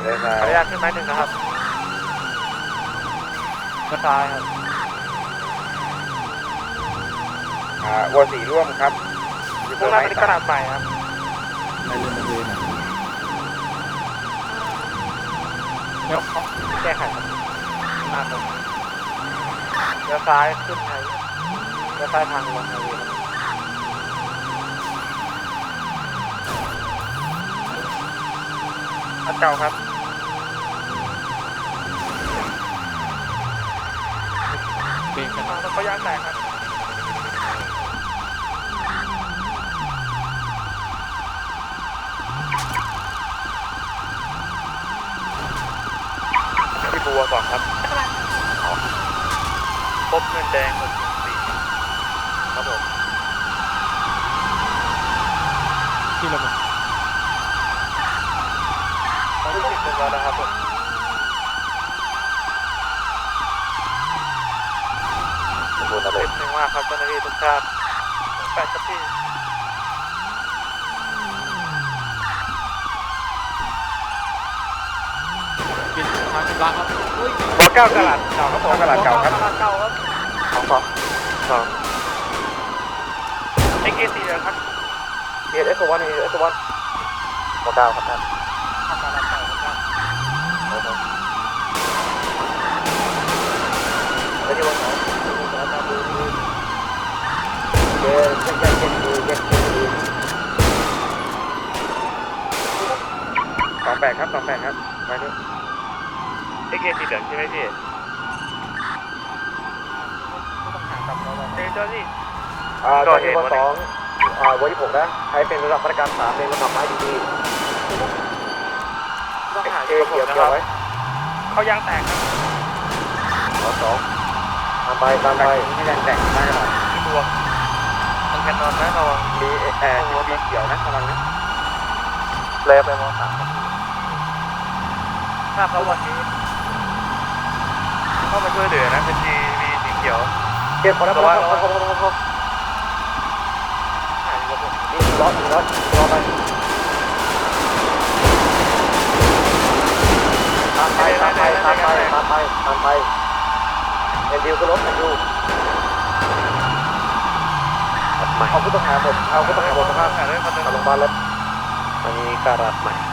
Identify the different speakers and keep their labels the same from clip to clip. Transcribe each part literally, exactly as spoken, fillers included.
Speaker 1: เลี้ยวซ้า
Speaker 2: ขออย นุญาตขึ้นไม้หนึ่งนะครับกระซ้ายครับ
Speaker 1: อ่าวัวสีร่วมครับอยู่
Speaker 2: มุ่งหน้าไปที่กระดาษใหม่ครับ
Speaker 3: ในเรื่องเลยนะ
Speaker 2: เดี๋ยวเขาแก้ไขครับหน้าตรงเลี้ยวซ้ายขึ้นไฮเลี้ยวซ้ายทางลงไฮเวย์ครับเก่าครับ
Speaker 3: เบรกกัน
Speaker 2: รถเขายางแตกครับที่บัวก่อนครับพบเงินแดงหกสี่ครับผม
Speaker 3: ที่ระเบิด
Speaker 2: ตอนที่สิบเรียบร้อยแล้วครับผม
Speaker 1: ขอบคุณนะ
Speaker 2: เต็
Speaker 1: เล็
Speaker 2: มหนึ่งมากครับเจ้าหน้าที่ทุกท่านแปดครับพี่
Speaker 3: เปลี่ยนทางเป็นล้างครับอุ้ย
Speaker 2: บอเก้ากระดาษเก่าครับผม
Speaker 1: กระดาษเก่าครับ
Speaker 2: กระดาษเก่าครับ
Speaker 1: สองสองสอง
Speaker 2: เอ็กเอสี่เลยครับ
Speaker 1: เอสเอสวันเอสวันวัวเก้าครับท่าน
Speaker 2: ทำกระดาษเก่าครับ
Speaker 1: แล้วที่วันสองเย้เย้เย้เย้เย้เย้สองแปดครับสองแปดครับไปด้วย
Speaker 2: เอ็กเอสีเหลืองใช่ไหมพี่ต้องหากับเราเจ้าที่
Speaker 1: อ่าตัวที่วันสองอ่าวันที่หกนะใช้เป็นระดับมาตรการสามเป็นระดับไม้ดี
Speaker 2: ต้องหา
Speaker 1: ๆ
Speaker 2: อ
Speaker 1: เอยู่
Speaker 2: กับผม
Speaker 1: เกี่ยว
Speaker 2: นะค
Speaker 1: เกี่ย
Speaker 2: รั
Speaker 1: ว
Speaker 2: บ
Speaker 1: ไว้
Speaker 2: เขายางแตกครับ
Speaker 1: สองสองตามไปตามไปไม่ยังแต่งมากขนาด
Speaker 2: ที่บัวมันแคนนอนนะระวัง
Speaker 1: มีแอร์มีเขียวนะระวังนะ
Speaker 2: เลยไปมอสามถ้าเขาวันนี้เข้ามาช่วยเหลือนะเป็นทีวีสีเขียว
Speaker 1: เก็บพอแล้วพอแล้วพอพอพอพอ
Speaker 2: หาอยู่กับผม
Speaker 1: นี่ร้อนร้อนรอไปตามไปตามไปตามไปตามไปตามไปเอ็นดิวก็รถเอ็นดิวเอาผู้ต้องหาหมดเอาผู้ต้องหาหมดนะครับ
Speaker 2: หาด้วยคนหนึ่ง
Speaker 1: ทางโรงพยาบาลแล้วอันนี้การัดใหม่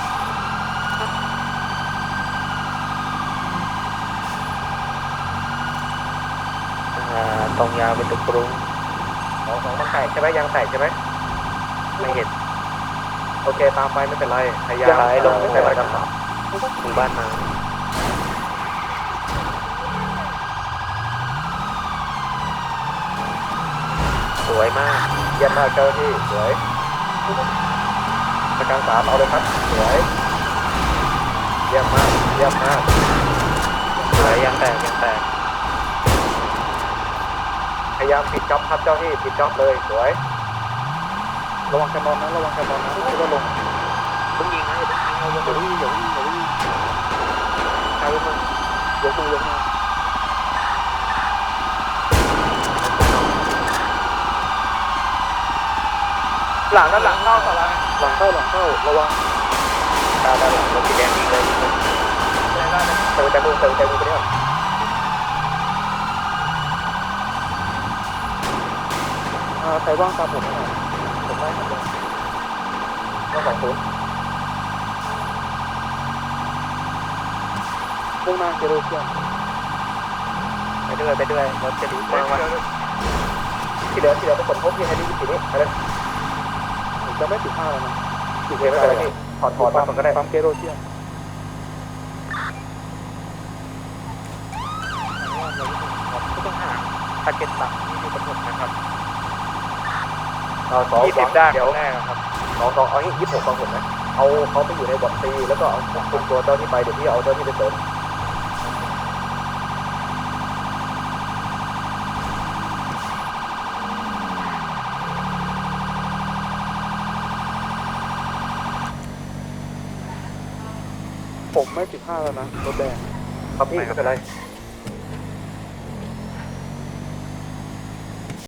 Speaker 1: ตรงยาวเป็นตึกกรุงสองสองมันแตกใช่ไหมยางแตกใช่ไหมไม่เห็นโอเคตามไปไม่เป็นไรพยายามลงใส่ประกันสามถึงบ้านมาสวยมากเยี่ยมมากเจ้าหน้าที่สวยประกันสามเอาเลยครับสวยเยี่ยมมากเยี่ยมมากสวยยางแตกยางแตกพยายามปิดจ็อบครับเจ้าที่ปิดจ็อบเลยสวยระวังแคมอนนะระวังแคมอนนะไม่ต้องลงต้องยิงนะอย่าต้องยิงเอาอย่าวิ่งอย่าวิ่งอย่าวิ่งใช้มือยกมือยกมือหลังด้านหลังเข้าต่อละหลังเข้าหลังเข้าระวังตาด้านหลังรถสีแดงยิงเลยได้ได้เติมใจมือเติมใจมือไปเนี่ยใครว่างตามผมหน่อยผมได้ครับก็สองศูนย์มุ่งหน้าเจโรเซียนไปด้วยไปด้วยรถจะดีมากที่เหลือที่เหลือไปสมทบที่ให้ดีที่นี้ไปเลยผมจะไม่ติดห้าแล้วนะติดไม่เป็นไรพี่ถอดถอดมาก็ได้ปั๊มเจโรเซียน
Speaker 2: ผู้ต้องหาตะเก็ตตักที่อยู่กับผมนะครับ
Speaker 1: สอง
Speaker 2: ยี่สิบด้าน
Speaker 1: เดี๋ยว
Speaker 2: แรกครับ
Speaker 1: สองสองเอายี่สิบหกฟังผมนะเอาเขาไปอยู่ในบอดซีแล้วก็เอาคุมตัวเจ้าที่ไปเดี๋ยวพี่เอาเจ้าที่ไปเสริมผมไม่สิบห้าแล้วนะรถแดงครับพี่ไม่เป็นไร